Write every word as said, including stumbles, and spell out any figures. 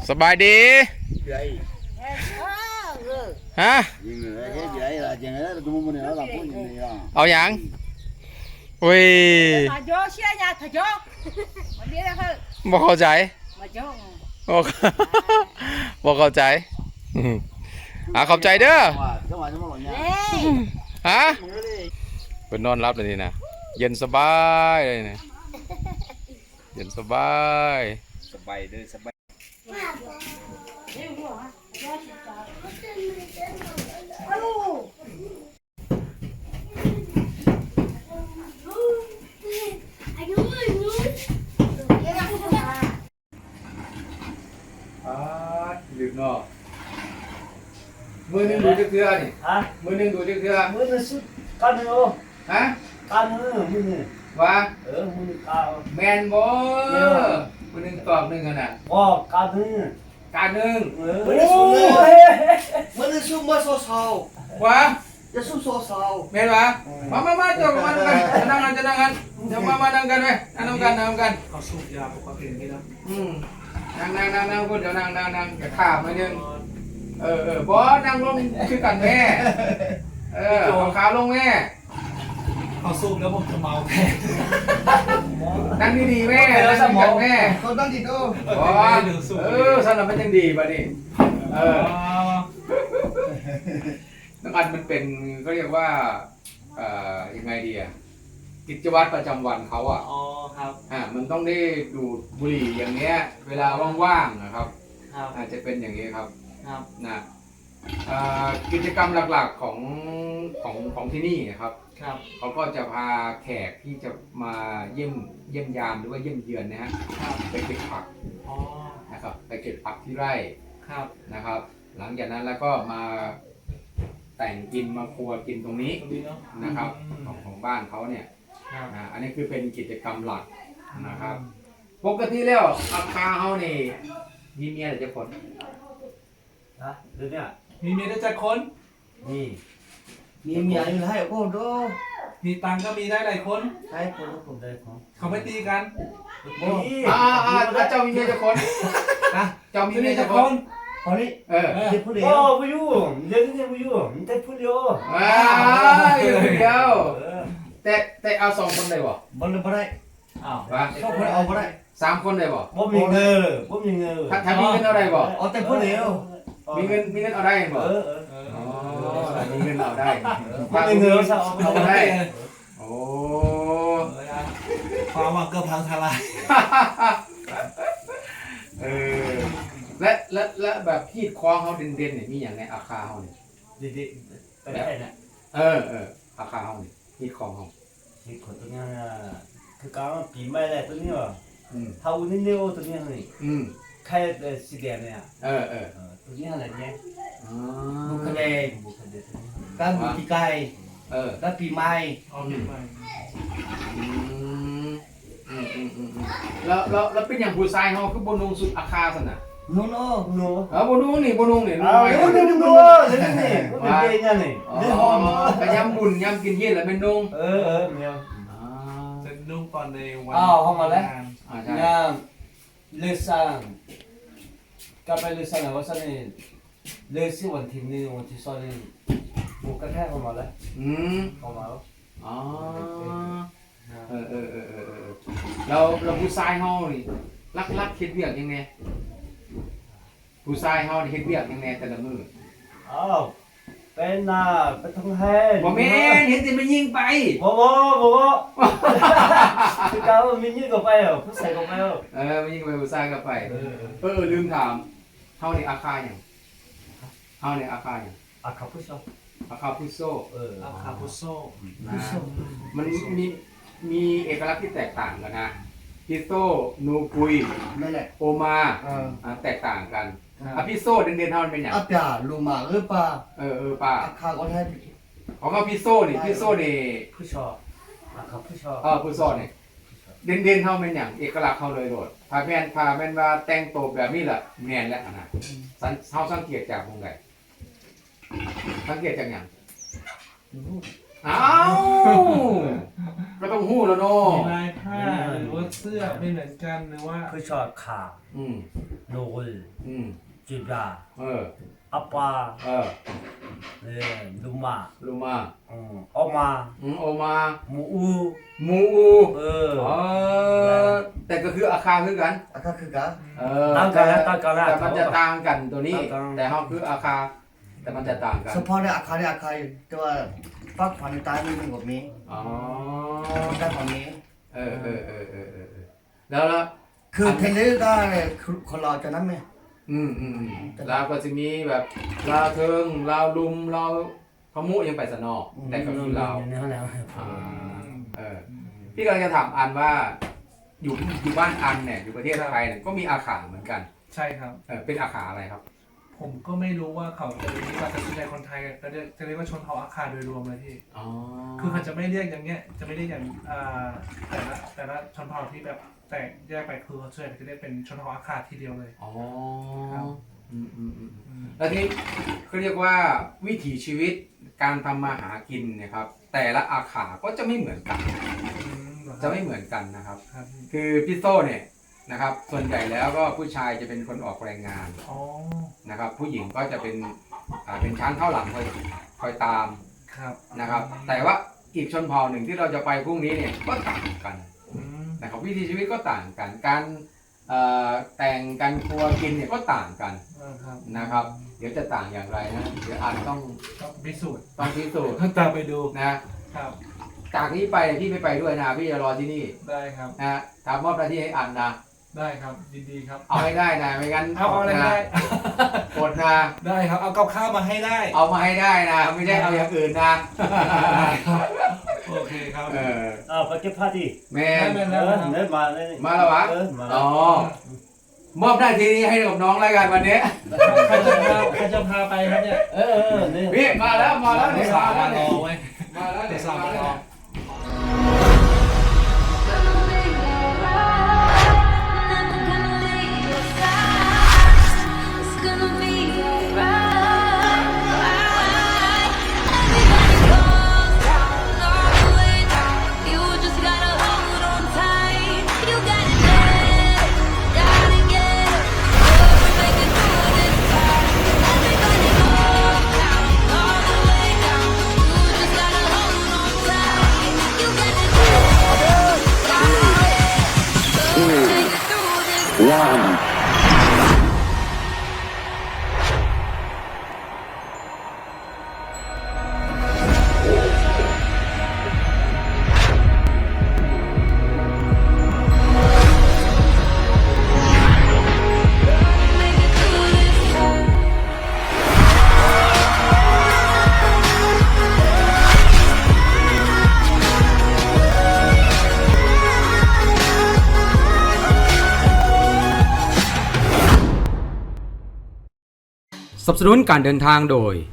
สบายดีฮะเอาอย่างอุ้ยบอกเข้าใจบอกบอกเข้าใจอ่ะขอบใจเด้อฮะเป็นนอนรับเลยนี่นะเย็นสบายเลยนะเย็นสบายสบายเด้อสบายอ่าลืมเนาะมือหนึ่งดูจักเทือนี่ฮะมือหนึ่งดูจักเทือมือหนึ่งสุดกันเนาะฮะกันมือมือหนึ่งว่าเออมือกันแมนบ่มือหนึ่งตอบหนึ่งขนาดบ่กันมือการหนึ่งมือหนึ่งสุดเลยมือหนึ่งสุดมาโซซาวว่าจะสุดโซซาวแมนวะมามามาจบมากันจะนั่งกันจะนั่งกันเดี๋ยวมามานั่งกันไหมนั่งกันนั่งกันเขาสูบยาปกตินี่นะอืมนั่งนั่งนั่งนั่งคุณเดี๋ยวนั่งนั่งนั่งอย่าข้ามมาหนึ่งเออเออบอสนั่งลงคือกันแม่เออเอาขาลงแม่เขาสูบแล้วผมจะเมาแทนนั่งดีๆแม่แล้วสมองแม่เขาตั้งจิตโอ้บอสเออสำหรับมันยังดีป่ะนี่เออน้ำอัดมันเป็นก็เรียกว่าเอ่อยังไงดีอะกิจวัตรประจำวันเขาอ่ะอ๋อครับอ่ามันต้องได้ดูดบุหรี่อย่างเงี้ยเวลาว่างๆนะครับครับอาจจะเป็นอย่างนี้ครับครับนะกิจกรรมหลักๆของของของที่นี่นะครับครับเขาก็จะพาแขกที่จะมาเยี่ยมเยี่ยมยามหรือว่าเยี่ยมเยือนนะฮะไปเก็บผักนะครับไปเก็บผักที่ไร่ครับนะครับหลังจากนั้นแล้วก็มาแต่งกินมาครัวกินตรงนี้นะครับของของบ้านเขาเนี่ยอันนี้คือเป็นกิจกรรมหลักนะครับปกติแล้วอาคาเขานี่มีเมียหรือจะคนนะเดี๋ยวนี้มีเมียได้จักคนนี่มีเมียอยู่ให้โอ้โหมีตังก็มีได้หลายคนให้คนผมได้ของเขาไม่ตีกันอ่าอ่าเจ้ามีเมียจะคนนะเจ้ามีเมียจะคนคนนี้เออเด็กผู้เดียวโอ้ผู้ยุ่งเด็กเด็กผู้ยุ่งเด็กผู้เดียวอ่าอยู่เดียวแต่แต่เอาสองคนได้บ่บ่เลยบ่ได้อ้าวสองคนเอาบ่ได้สามคนได้บ่บ่มีเงินบ่มีเงินถ้าถ้ามีเงินเอาได้บ่เอาแต่ผู้เดียวมีเงินมีเงินเอาได้บ่เอออ๋อมีเงินเอาได้ถ้ามีเงินเอาได้โอ้ความว่าเกือบพังทลายเออและและและแบบพีดคล้องเขาเด่นๆเนี่ยมีอย่างในอาคาเขาเนี่ยดีๆไปได้น่ะเออเอออาคาเขาเนี่ยพีดคล้องเขาพีดคนตัวนี้คือการปีใหม่แหละตัวนี้ว่ะถ้าวันนี้เนี่ยตัวนี้นี่อืมใครสีแดงเนี่ยเออเออตัวนี้อะไรเนี่ยบุคเดงบุคเดงการบุกิไกเออการปีใหม่อ๋อปีใหม่อืมอืมอืมอืมแล้วแล้วแล้วเป็นอย่างผู้ชายเขาคือบนลงสุดอาคาสนะโน่โน่โน่เออบนลงนี่บนลงนี่อ๋อโน่โน่โน่นี่นี่เป็นเกย์นี่นี่หอมแต่ยำบุญยำกินเย็นแล้วเป็นนุ่งเออเออเมียวจะนุ่งตอนในวันอ้าวเข้ามาแล้วอ่าใช่เลซังกับไปเลซังแล้วว่าซันนี่เลซี่วันที่หนึ่งวันที่สองนี่บุกกระแทกเข้ามาแล้วอืมเข้ามาแล้วอ๋อเออเออเออเออเราเราผู้ชายเฮานี่รักรักเฮ็ดเวียกยังไงผู้ชายเฮานี่เฮ็ดเวียกยังไงแต่ละมื้ออ้าวเป็นน่ะไปทำแห้งบ่แม่นเห็นแต่มันยิงไปบ่บ่บ่บ่คือการมันยิงก็ไปเหรอผู้ชายก็ไปเหรอเออมันยิงไปผู้ชายก็ไปเออเออลืมถามเฮานี่อาคาหยังเฮานี่อาคาหยังอาคาพุโซอาคาพุโซเอออาคาพุโซพุโซมันมีมีเอกลักษณ์ที่แตกต่างกันนะพิโซนูกุยนั่นแหละโอมาอ่าแตกต่างกันอ่ะพิโซเด่นๆเฮามันเป็นหยังอาปาลูมาเออปาเออเออปาอาคาก็ได้ของเราพิโซนี่พิโซนี่พุชออาคาพุชอเออพุโซนี่เด่นๆเฮาเป็นหยังเอกลักษณ์เฮาเลยโดดพาแม่นพาแม่นว่าแต่งตัวแบบนี้แหละแม่นแล้วนะเฮาสังเกตจากตรงใดสังเกตจากหยังอ้าวก็ต้องหู้แล้วเนาะมีลายผ้าหรือว่าเสื้อไม่เหมือนกันหรือว่าคือชอบขาอืมโนกุลอืมจุดาเอออัปปาเออเอ่อลุมาลูมาอืมออกมาอืมโอมาหมูอูมูอูเออเออแต่ก็คืออาคาคือกันอาคาคือกะเออต่างกันนะต่างกันนะแต่มันจะต่างกันตัวนี้ต่างกันแต่เขาคืออาคา แต่มันจะต่างกันเฉพาะในอาคาในอาคาแต่ว่าฟักขวัญในตายไม่มีแบบนี้อ๋อได้แบบนี้เออเออเออเออเออเออแล้วแล้วคือเทนนิสได้คือคนเราจะนั้นไหมอืมอืมอืมแล้วก็จะมีแบบลาวเทิงลาวลุมลาวพะมุยังไปสนอกแต่ก็คือลาวอยู่ในห้องแล้วอ่าเออพี่กำลังจะถามอันว่า อยู่อยู่บ้านอันเนี่ยอยู่ประเทศไทยเนี่ยก็มีอาขาเหมือนกันใช่ครับเออเป็นอาขาอะไรครับผมก็ไม่รู้ว่าเขาจะเรียกว่าแต่ส่วนใหญ่คนไทยก็เรียกจะเรียกว่าชนเผ่าอาคาโดยรวมเลยพี่อ๋อคือเขาจะไม่เรียกอย่างเงี้ย จะไม่เรียกอย่างอ่าแต่ละแต่ละชนเผ่าที่แบบแตกแยกไปคือเขาส่วนใหญ่จะเรียกเป็นชนเผ่าอาคาทีเดียวเลยอ๋อครับอืมอืมอืมอืมแล้วที่เขาเรียกว่าวิถีชีวิตการทำมาหากินเนี่ยครับ แต่ละอาขาก็จะไม่เหมือนกันอืมเหรอคจะรับไม่เหมือนกันนะครับครับคือพี่โซ่เนี่ยนะครับ ส่วนใหญ่แล้วก็ผู้ชายจะเป็นคนออกแรงงานอ๋อนะครับ ผู้หญิงก็จะเป็นอ่าเป็นช้างเข้าหลังคอยคอยตามครับนะครับ แต่ว่าอีกชนเผ่าหนึ่งที่เราจะไปพรุ่งนี้เนี่ยก็ต่างกันอืมนะครับวิถีชีวิตก็ต่างกัน การเอ่อแต่งการครัวกินเนี่ยก็ต่างกันเออครับนะครับ เดี๋ยวจะต่างอย่างไรนะเดี๋ยวอันต้องต้องพิสูจน์ต้องพิสูจน์ตามไปดูนะครับ จากนี้ไปพี่ไม่ไปด้วยนะพี่จะรอที่นี่ได้ครับนะทำมอบหน้าที่ให้อันนะได้ครับยินดีครับเอาให้ได้นะไม่งั้นเอาอะไรนะได้กดนะได้ครับ เอากับข้าวมาให้ได้เอามาให้ได้นะ ไม่ใช่เอาอย่างอื่นนะได้ครับ โอเคครับเอออ้าวไปเก็บผ้าดิแม่ได้นไหมเออเนี่ยมาเลยมาแล้ววะเออมาอ๋อมอบหน้าที่นี้ให้กับน้องรายการวันนี้ใครจะพาใครจะพาไปครับเนี่ยเออเออเนี่ยพี่มาแล้วมาแล้วเดี๋เนี่ย ยวสาวมาแล้มาว รเนี่ยอเว้ยมาแล้วเดี๋เนี่ยยวสาวมามารแล้อว It's gonna be alright. Everybody goes down, all the way down. You just gotta hold on tight. You gotta get, gotta get up. We'll make it through this time. Everybody goes down, all the way down. You just gotta hold on tight. You gotta get, gotta get. We'll make it through this time. Make it through this time. สนับสนุนการเดินทางโดย